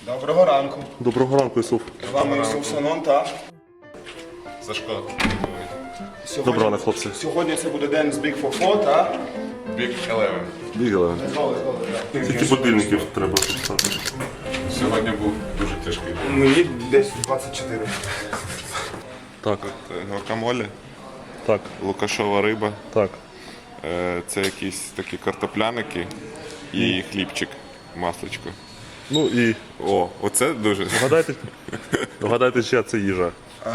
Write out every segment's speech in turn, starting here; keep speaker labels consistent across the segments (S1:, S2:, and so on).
S1: Доброго ранку.
S2: Доброго ранку, Ісуф.
S1: З вами Ісуф Санон та...
S3: Сашко.
S2: Доброго ранку, хлопці.
S1: Сьогодні це буде день з Big for Four та...
S3: Big 11.
S2: Бігали.
S1: Знову, так.
S2: Скільки будильників треба писати?
S3: Сьогодні був дуже тяжкий день.
S1: Мені десь 24.
S2: Так,
S3: Гуакамоле,
S2: так,
S3: лукашова риба,
S2: так.
S3: це якісь такі картопляники і хлібчик, масличко.
S2: Ну і
S3: О, оце дуже.
S2: вгадайте, чия це їжа.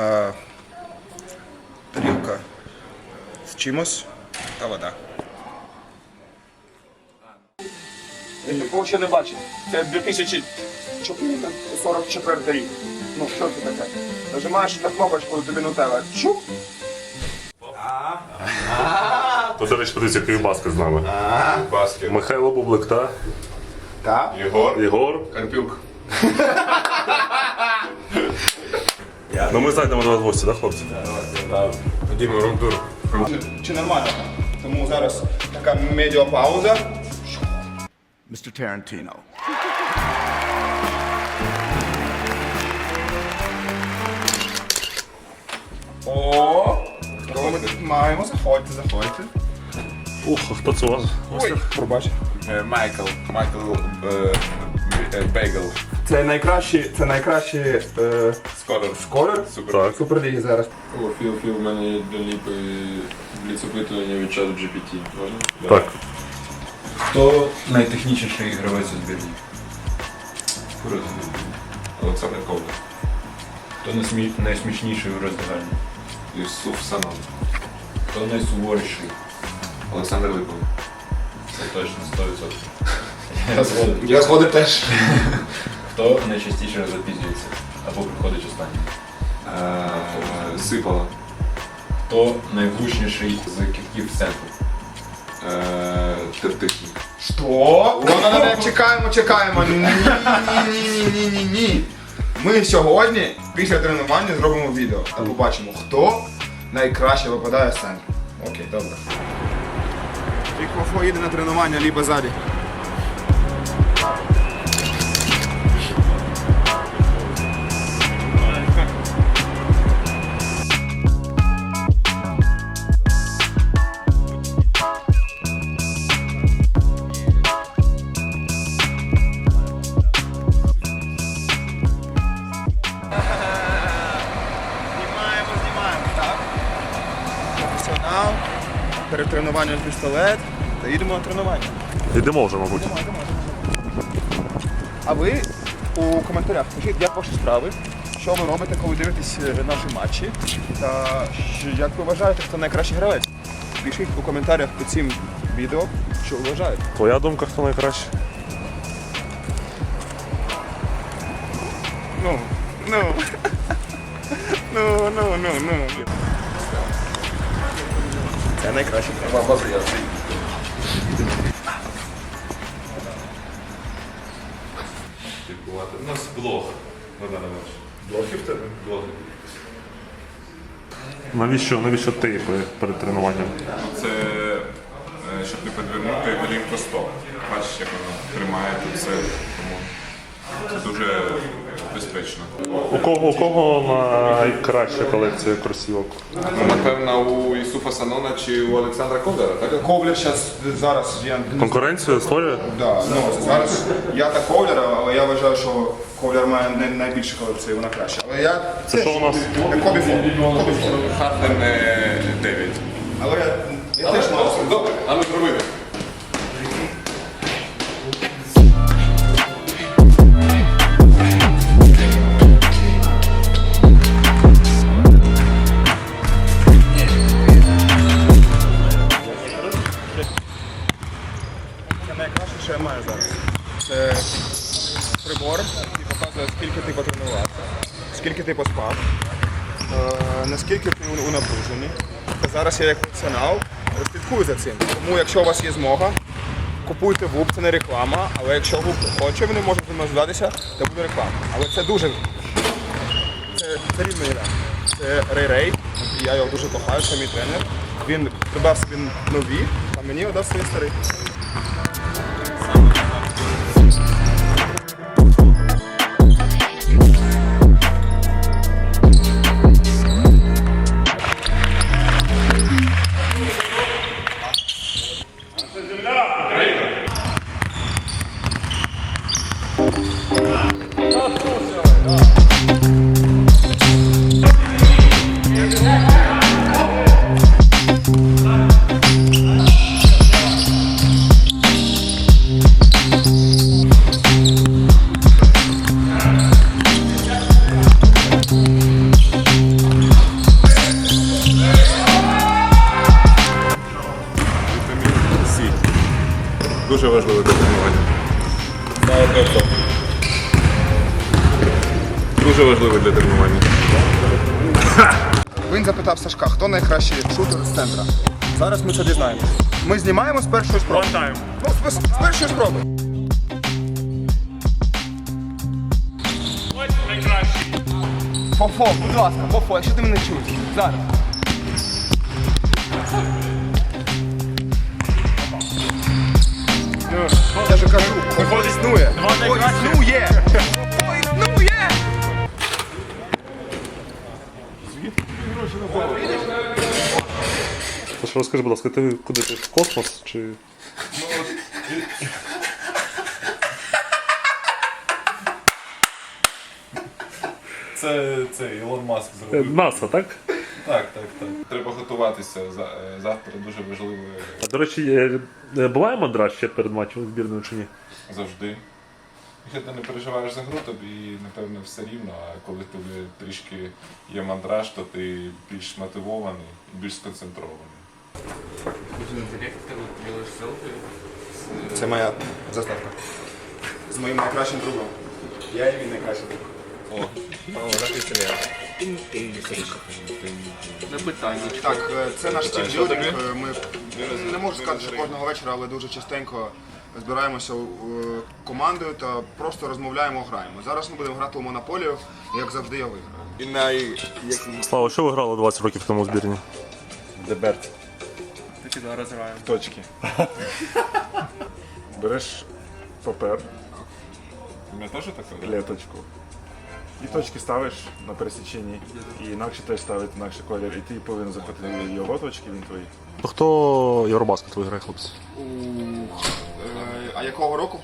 S1: Тарілка з чимось та вода. Я нікого ще не бачив. Це 2044 рік. Ну, що це таке? Нажимаєш на кнопочку, тобі нутелла. Чук!
S2: То, до речі, подивіться, Київбаска з нами.
S3: Баскет.
S2: Михайло Бублик та
S1: Так?
S3: Єгор. Карпюк.
S2: Ну ми зайдемо до вас в гості, так, хлопці?
S3: Ходімо, рундур.
S1: Чи нормально? Тому зараз така медіапауза.
S4: Mr. Tarantino.
S1: О! Кого ми тут маємо? Заходьте.
S2: Ух, а хто це у вас?
S1: Ой, пробач.
S3: Майкл Бейгл.
S1: Це найкращий
S3: Скоро.
S1: скорер
S2: Так.
S1: Суперліги зараз.
S5: О, Філ, в мене є до ліпи бліц-опитування від чату GPT. Можна?
S2: Так.
S5: Хто найтехнічніший гравець у збірні?
S3: Круто. Олександр Ковда.
S5: Хто найсмішніший у роздягальні?
S3: Ісуф Санон.
S5: Хто найсуворіший?
S3: Олександр Липов.
S5: Це точно 100%. Я згоден.
S1: Я згоден теж.
S5: Хто найчастіше запізнюється або приходить останнім?
S3: Сипало.
S5: Хто найвлучніший з кітків в центру?
S3: Тертишник.
S1: Що? Ну, чекаємо. Ні. Ми сьогодні, після тренування, зробимо відео та побачимо, хто найкраще випадає з центру. Окей, добре. Вікофо їде на тренування, либо ззаді. Знімаємо, так. Професіонал, перед тренуванням пістолет та їдемо на тренування.
S2: Йдемо вже, мабуть.
S1: А ви у коментарях пишіть, як ваші справи, що ви робите, коли дивитесь наші матчі, та як ви вважаєте, хто найкращий гравець. Пишіть у коментарях під цим відео, що ви вважаєте.
S2: Твоя думка, хто найкраще?
S1: Ну. Це найкраще.
S3: У нас блог.
S1: Блохи в тебе?
S3: Блоги.
S2: Навіщо тейпи перед тренуванням?
S3: Це щоб не підвернути лінку стоп. Бачиш, як воно тримає тут все. Тому це дуже безпечно.
S2: У кого найкраща колекція кросівок?
S3: Напевно, у Ісуфа Санона чи у Олександра Ковдера, так?
S1: Ковляр зараз я...
S2: Конкуренцію створює?
S1: Да, ну, зараз я та Ковляр, але я вважаю, що Ковляр має найбільшу колекцію, вона краща. Але я...
S2: Це що у нас?
S1: Кобіфон.
S3: Харден 9.
S1: Але я теж можу.
S3: Добре, а ну зробили.
S1: Це найкраще, що я маю зараз. Це прибор, який показує, скільки ти потренувався, скільки ти поспав, наскільки ти у напруженні. Зараз я як професіонал слідкую за цим. Тому якщо у вас є змога, купуйте ВУП, це не реклама, але якщо ВУП хоче, вони можуть зі мною зв'язатися, то буде реклама. Але це дуже... Це рівно ідея. Це Рей, я його дуже кохаю, це мій тренер. Він придбав собі нові, а мені віддав свої старі.
S3: Вітамін С. Дуже важливо для тренування. Дуже важливо для тренування.
S1: Він запитав Сашка, хто найкращий шутер з центра. Зараз ми це дізнаємося. Ми знімаємо з першої спроби. Ну, з першої спроби. Фофо, будь ласка, Фофо, якщо ти мене чуєш. Зараз. Я же кажу, Фофо існує. Фофо існує. Фофо існує.
S2: Тож розкажи, будь ласка, ти куди ти в космос чи.
S5: Це Ілон Маск зробив.
S2: НАСА, так?
S5: Так. Треба готуватися. Завтра дуже важливо
S2: А до речі, буває мандраж ще перед матчем збірної чи ні?
S5: завжди. Якщо ти не переживаєш за гру, тобі, напевно, все рівно, а коли тобі трішки є мандраж, то ти більш мотивований і більш сконцентрований.
S1: Це моя заставка. З моїм найкращим другом. Я і він найкращий друг. Так, це наш тімбілдинг. Ми не можу сказати, що кожного вечора, але дуже частенько збираємося командою та просто розмовляємо, граємо. Зараз ми будемо грати у монополію, як завжди я виграю.
S2: Слава, що ви грали 20 років тому у збірні?
S6: Деберт. Точки. Береш папер,
S5: У мене теж таке?
S6: клеточку. І точки ставиш на пересіченні. І інакше теж ставить інакше колір. І ти повинен захопити його точки, він твої.
S2: Хто Євробаскет виграє, хлопці?
S1: А якого року?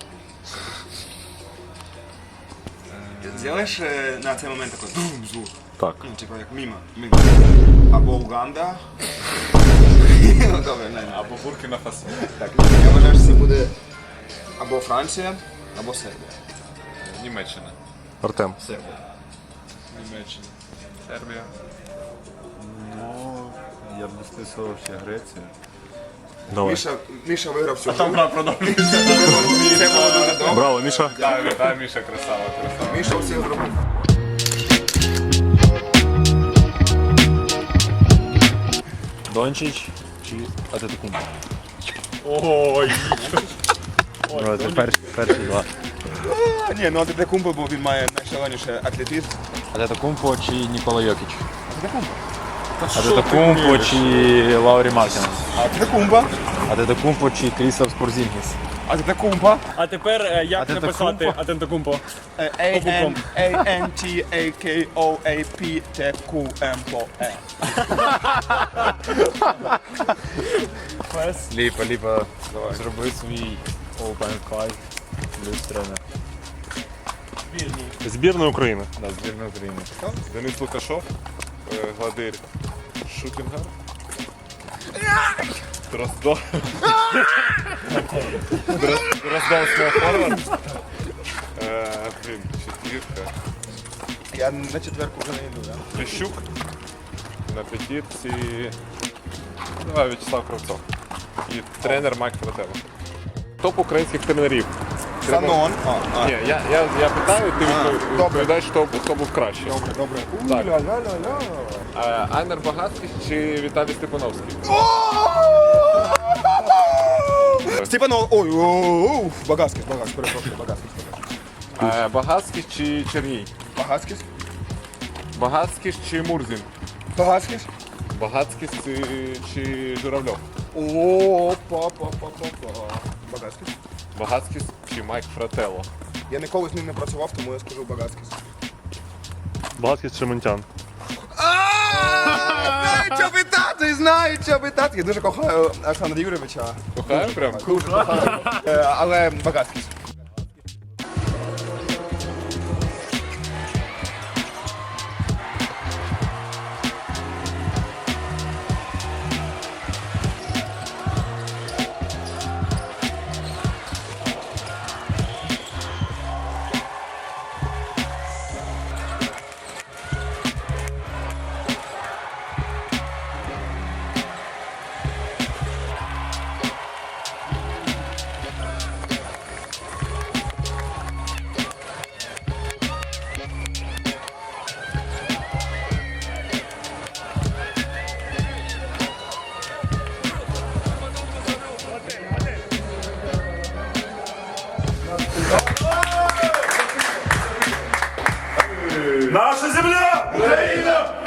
S1: Зробиш на цей момент такий бум звук?
S2: Так.
S1: Ну, типу як міма. Або Уганда. Добре, не.
S5: Або Буркіна Фасо.
S1: Так, я вважаю, що це буде або Франція, або Сербія.
S5: Німеччина.
S2: Артем.
S5: Німеччина. Сербія.
S6: Ну, я б дослідував ще Грецію.
S2: Давай.
S1: Міша виграв цю гру.
S2: Браво, Міша.
S5: Так, Міша, красава.
S1: Міша всіх зробив.
S7: Дончич чи Атетокумбо?
S2: Ой.
S7: Це перші два.
S1: Ні, ну Атетокумбо, бо він має найшаленіший атлетизм.
S7: Атетокумбо чи Нікола Йокіч? Атетокумбо чи Лаурі Мартінес?
S1: Атетокумбо.
S7: Атетокумбо чи Крістоф Спорзінгіс?
S1: Атетокумбо.
S8: А тепер як написати Атентокумпо?
S1: A-N-T-A-K-O-A-P-T-Q-M-O-E.
S7: Ліпа, зроби свій Open Five плюс тренер.
S2: Збірна України.
S7: Да, збірна України.
S5: Денис Лукашов, Гладир Шутінгар. Дроздов. Дроздов Форвард. Четвірка.
S1: Я на четверку вже не йду, так?
S5: Плещук. На п'ятірці. Давай В'ячеслав Кравцов. І тренер Майк Фрателло. Топ українських тренерів.
S1: Санон.
S5: Ні, я питаю, ти відповідаєш, хто був кращий.
S1: Добре.
S5: Так. Айнер Багацький чи Віталій Степановський?
S1: Степанов. Ой, Багацький, перепрошую, Багацький.
S5: Багацький чи Черній?
S1: Багацький.
S5: Багацький чи Мурзін?
S1: Багацький.
S5: Багацький чи Журавльов?
S1: О, Багацький.
S5: Багацький чи Майк Фрателло?
S1: Я ніколи з ним не працював, тому я скажу Багацький.
S2: Багатський Шементян.
S1: Що питати? Карпати знають, що питати. Я дуже кохаю Олександра Юрійовича.
S5: Кохаю прям?
S1: Дуже кохаю. Але багатський.
S2: Наша земля! Україна!